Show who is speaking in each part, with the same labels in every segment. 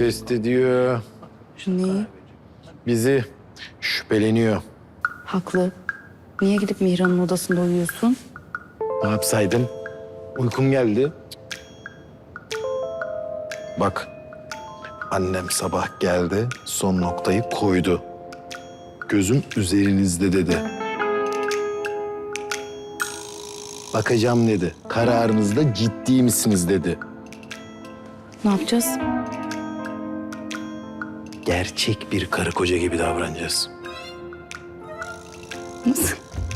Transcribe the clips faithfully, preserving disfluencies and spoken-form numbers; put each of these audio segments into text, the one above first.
Speaker 1: test ediyor.
Speaker 2: Neyi?
Speaker 1: Bizi şüpheleniyor.
Speaker 2: Haklı. Niye gidip Mihran'ın odasında uyuyorsun?
Speaker 1: Ne yapsaydım? Uykum geldi. Bak, annem sabah geldi, son noktayı koydu. Gözüm üzerinizde dedi. Bakacağım dedi. Kararınızda ciddi misiniz dedi.
Speaker 2: Ne yapacağız?
Speaker 1: Gerçek bir karı koca gibi davranacağız.
Speaker 2: Nasıl?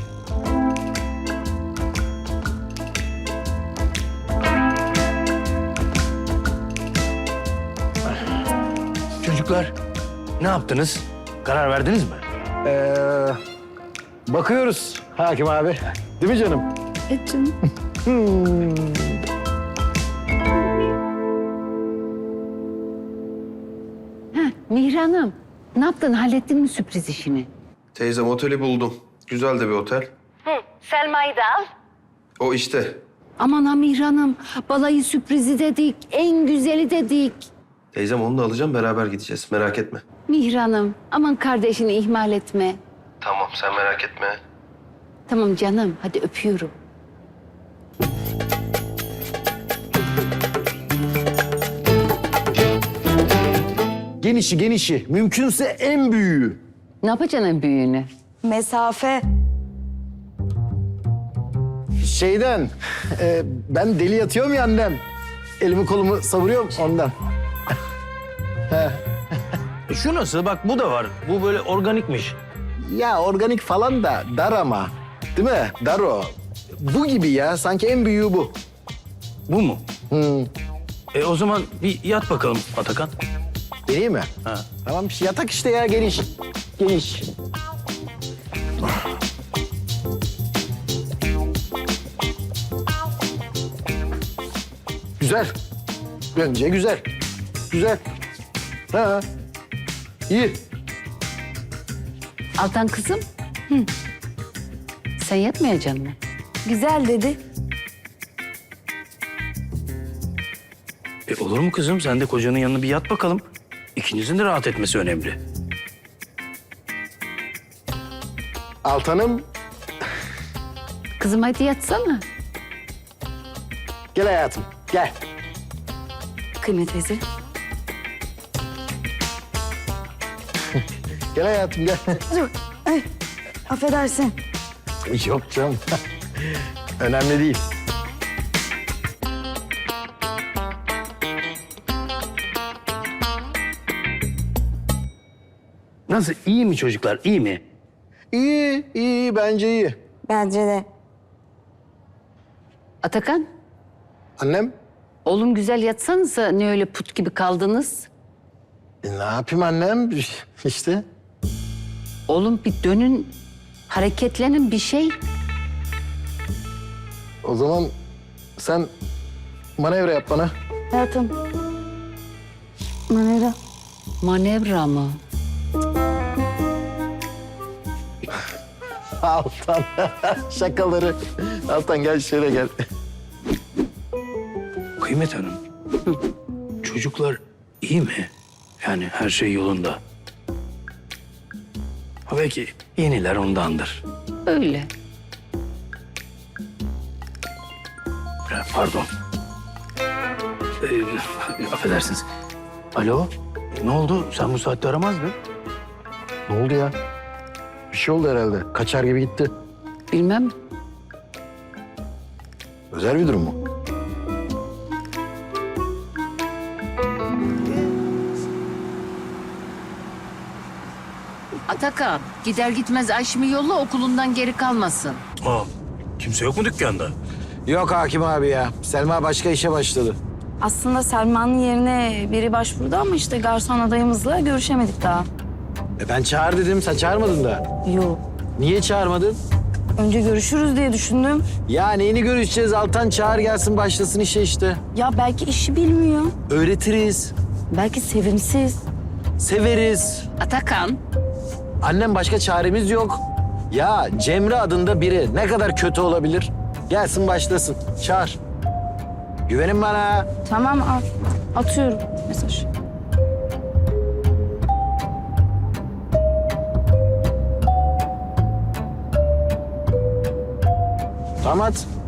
Speaker 3: Çocuklar, ne yaptınız? Karar verdiniz mi?
Speaker 1: Ee, bakıyoruz hakim abi. Değil mi canım?
Speaker 2: Evet canım.
Speaker 4: Mihran'ım, ne yaptın? Hallettin mi sürpriz işini?
Speaker 5: Teyzem oteli buldum. Güzel de bir otel.
Speaker 4: Selma'yı da al.
Speaker 5: O işte.
Speaker 4: Aman ha Mihran'ım, balayı sürprizi dedik, en güzeli dedik.
Speaker 5: Teyzem onu da alacağım, beraber gideceğiz. Merak etme.
Speaker 4: Mihran'ım, aman kardeşini ihmal etme.
Speaker 5: Tamam, sen merak etme.
Speaker 4: Tamam canım, hadi öpüyorum.
Speaker 1: Genişi genişi. Mümkünse en büyüğü.
Speaker 4: Ne yapacaksın en büyüğünü?
Speaker 2: Mesafe.
Speaker 1: Şeyden, e, ben deli yatıyorum ya annem. Elimi kolumu savuruyorum ondan.
Speaker 3: E şu nasıl? Bak bu da var. Bu böyle organikmiş.
Speaker 1: Ya organik falan da dar ama. Değil mi? Dar o. Bu gibi ya. Sanki en büyüğü bu.
Speaker 3: Bu mu?
Speaker 1: Hı.
Speaker 3: E o zaman bir yat bakalım Atakan.
Speaker 1: Deneyeyim mi?
Speaker 3: Ha.
Speaker 1: Tamam, yatak işte ya, geniş. Geniş. Güzel. Bence güzel. Güzel. Ha. İyi.
Speaker 4: Altan kızım. Hı. Sen yatmayacaksın mı?
Speaker 2: Güzel dedi.
Speaker 3: E olur mu kızım? Sen de kocanın yanına bir yat bakalım. İkinizin de rahat etmesi önemli.
Speaker 1: Altanım,
Speaker 4: Kızım hadi yatsana.
Speaker 1: gel hayatım. Gel.
Speaker 2: Kıymet teyze.
Speaker 1: Gel hayatım, gel.
Speaker 2: Dur. Ay, affedersin.
Speaker 1: Yok canım. Önemli değil.
Speaker 3: Nasıl? İyi mi çocuklar? İyi mi?
Speaker 1: İyi, iyi. Bence iyi.
Speaker 2: Bence de.
Speaker 4: Atakan,
Speaker 1: Annem?
Speaker 4: oğlum güzel yatsanıza, ne öyle put gibi kaldınız?
Speaker 1: E, ne yapayım annem? İşte.
Speaker 4: Oğlum bir dönün, hareketlenin bir şey.
Speaker 1: O zaman sen manevra yap bana.
Speaker 2: Hayatım. Manera.
Speaker 4: Manevra mı?
Speaker 1: Altan. Şakaları. Altan gel şöyle gel.
Speaker 3: Kıymet Hanım. Çocuklar iyi mi? Yani her şey yolunda. Ha belki yeniler ondandır.
Speaker 4: Öyle.
Speaker 3: Ha, Pardon. Ee, affedersiniz. Alo, ne oldu? Sen bu saatte aramazdın.
Speaker 1: Ne oldu ya? Bir şey oldu herhalde. Kaçar gibi gitti.
Speaker 4: Bilmem.
Speaker 1: Özel bir durum mu?
Speaker 4: Atakan, gider gitmez Ayşem'i yolla, okulundan geri kalmasın.
Speaker 3: Aa, kimse yok mu dükkanda?
Speaker 1: Yok hakim abi ya. Selma başka işe başladı.
Speaker 2: Aslında Selma'nın yerine biri başvurdu ama işte garson adayımızla görüşemedik daha.
Speaker 1: E ben çağır dedim. Sen çağırmadın da.
Speaker 2: Yok.
Speaker 1: Niye çağırmadın?
Speaker 2: Önce görüşürüz diye düşündüm.
Speaker 1: Ya neyini görüşeceğiz? Altan çağır gelsin başlasın işe işte.
Speaker 2: Ya belki işi bilmiyor.
Speaker 1: Öğretiriz.
Speaker 2: Belki sevimsiz.
Speaker 1: Severiz.
Speaker 4: Atakan,
Speaker 1: Annem başka çaremiz yok. Ya Cemre adında biri ne kadar kötü olabilir? Gelsin başlasın. Çağır. Güvenin bana.
Speaker 2: Tamam at. Atıyorum mesaj.
Speaker 1: Damat